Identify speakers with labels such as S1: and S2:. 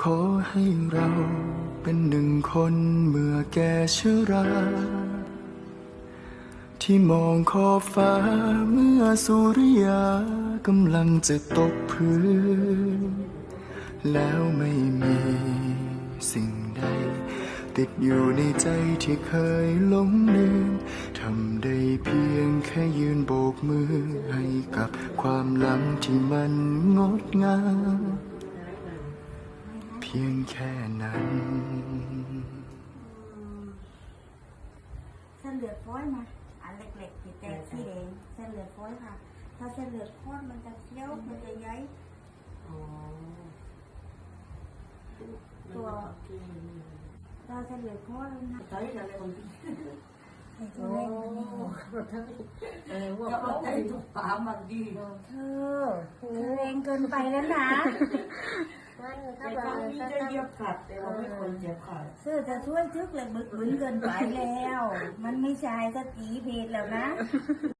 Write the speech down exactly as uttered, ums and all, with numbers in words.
S1: ขอให้เราเป็นหนึ่งคนเมื่อแก่ชรา ที่มองขอบฟ้าเมื่อสุริยากำลังจะตกพื้น แล้วไม่มีสิ่งใดติดอยู่ในใจที่เคยหลงลืมทำได้เพียงแค่ยืนโบกมือให้กับความหลังที่มันงดงามเพียงแค่นั้น
S2: เส้นเลือดฝอยมาอันเล็กๆที่แตกสีแดงเส้นเลือดฝอยค่ะถ้าเส้นเลือดข้นมันจะเคี้ยวมันจะย้ายตัวเราเส้นเลือดข้นนะใช่อะไรคนที่ไอ้ตัวเล็กมันนี่เออว่าเขาไอ้ทุกปามันดีเธอเธอแรงเกินไปแล้วนะแต่ตอนนี้จะเหยียบขัดแต่ว่าไม่ควรเหยียบขัดเสื้อจะช่วยทึกเลยบึกบึนเกินไปแล้ว มันไม่ใช่สกีเพจแล้วนะ